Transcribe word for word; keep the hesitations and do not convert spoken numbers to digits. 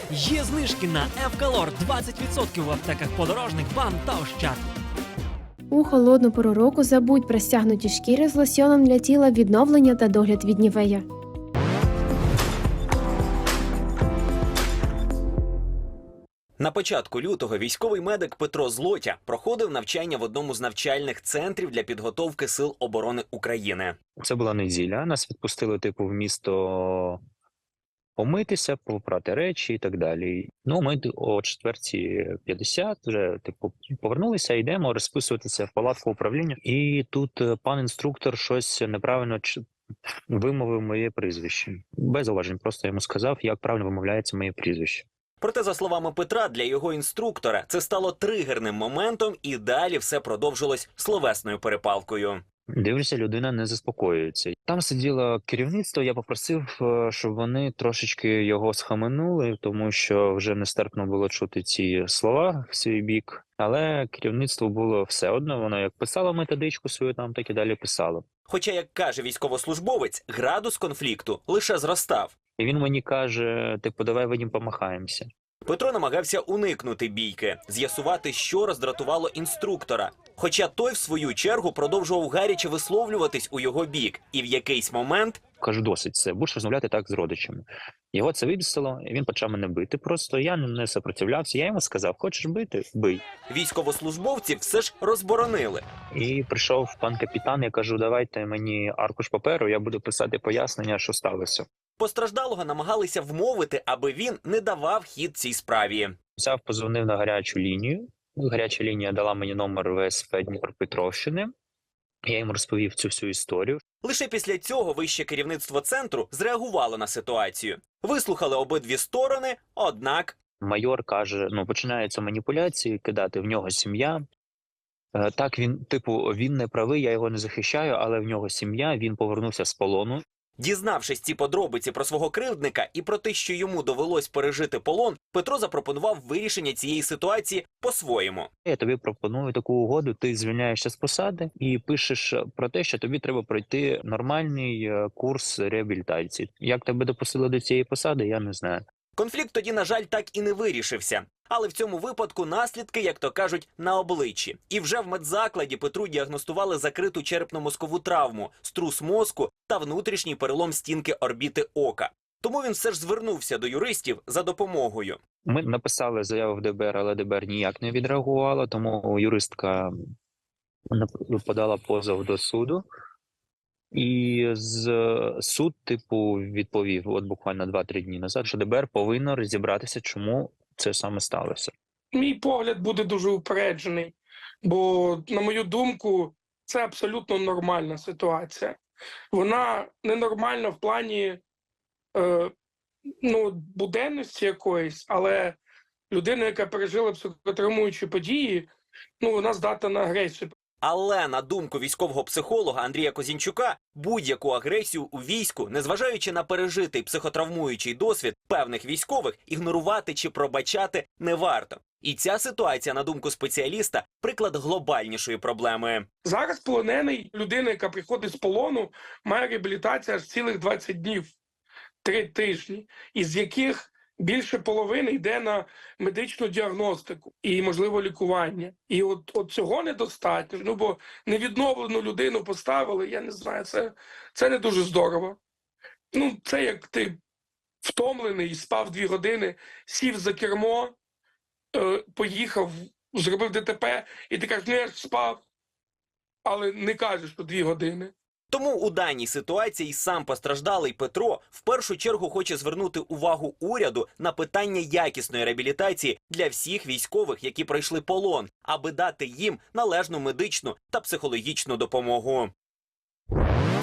Є знижки на Евкалор двадцять відсотків в аптеках Подорожник, БАМ та Ощад. У холодну пору року забудь про стягнуті шкіри з лосьоном для тіла, відновлення та догляд від Нівея. На початку лютого військовий медик Петро Злотя проходив навчання в одному з навчальних центрів для підготовки Сил оборони України. Це була неділя, нас відпустили типу в місто помитися, попрати речі і так далі. Ну, ми о четвертій п'ятдесят вже типу повернулися, йдемо розписуватися в палатку управління. І тут пан інструктор щось неправильно вимовив моє прізвище. Без зауважень, просто йому сказав, як правильно вимовляється моє прізвище. Проте, за словами Петра, для його інструктора це стало тригерним моментом, і далі все продовжилось словесною перепалкою. Дивлюся, людина не заспокоюється. Там сиділо керівництво, я попросив, щоб вони трошечки його схаменули, тому що вже нестерпно було чути ці слова в свій бік. Але керівництво було все одно, воно як писало методичку свою там, так і далі писало. Хоча, як каже військовослужбовець, градус конфлікту лише зростав. І він мені каже, типу, давай Вадим помахаємося. Петро намагався уникнути бійки, з'ясувати, що роздратувало інструктора. Хоча той, в свою чергу, продовжував гаряче висловлюватись у його бік. І в якийсь момент... Кажу, досить це, будеш розмовляти так з родичами. Його це вибісило, і він почав мене бити. Просто я не сопротивлявся. Я йому сказав, хочеш бити – бий. Військовослужбовці все ж розборонили. І прийшов пан капітан, я кажу, давайте мені аркуш паперу, я буду писати пояснення, що сталося. Постраждалого намагалися вмовити, аби він не давав хід цій справі. Взяв, позвонив на гарячу лінію. Гаряча лінія дала мені номер В С П Дніпропетровщини. Я йому розповів цю всю історію. Лише після цього вище керівництво центру зреагувало на ситуацію. Вислухали обидві сторони, однак... Майор каже, ну, починаються маніпуляції, кидати в нього сім'я. Е, так, він, типу, він не правий, я його не захищаю, але в нього сім'я, він повернувся з полону. Дізнавшись ці подробиці про свого кривдника і про те, що йому довелось пережити полон, Петро запропонував вирішення цієї ситуації по-своєму. Я тобі пропоную таку угоду, ти звільняєшся з посади і пишеш про те, що тобі треба пройти нормальний курс реабілітації. Як тебе допустили до цієї посади, я не знаю. Конфлікт тоді, на жаль, так і не вирішився. Але в цьому випадку наслідки, як то кажуть, на обличчі. І вже в медзакладі Петру діагностували закриту черепно-мозкову травму, струс мозку та внутрішній перелом стінки орбіти ока. Тому він все ж звернувся до юристів за допомогою. Ми написали заяву в Д Б Р, але Д Б Р ніяк не відреагувала, тому юристка подала позов до суду. І з суд, типу, відповів, от буквально два-три дні назад, що Д Б Р повинно розібратися, чому це саме сталося. Мій погляд буде дуже упереджений, бо, на мою думку, це абсолютно нормальна ситуація. Вона ненормальна в плані е, ну, буденності якоїсь, але людина, яка пережила психотравмуючі події, ну, вона здатна на агресію. Але, на думку військового психолога Андрія Козінчука, будь-яку агресію у війську, незважаючи на пережитий психотравмуючий досвід певних військових, ігнорувати чи пробачати не варто. І ця ситуація, на думку спеціаліста, приклад глобальнішої проблеми. Зараз полонений, людина, яка приходить з полону, має реабілітацію аж цілих двадцять днів, три тижні, із яких більше половини йде на медичну діагностику і, можливо, лікування. І от, от цього недостатньо, ну, бо невідновлену людину поставили, я не знаю, це, це не дуже здорово. Ну, це як ти втомлений, спав дві години, сів за кермо, е, поїхав, зробив Д Т П, і ти кажеш, ну я ж спав, але не кажеш, що дві години. Тому у даній ситуації сам постраждалий Петро в першу чергу хоче звернути увагу уряду на питання якісної реабілітації для всіх військових, які пройшли полон, аби дати їм належну медичну та психологічну допомогу.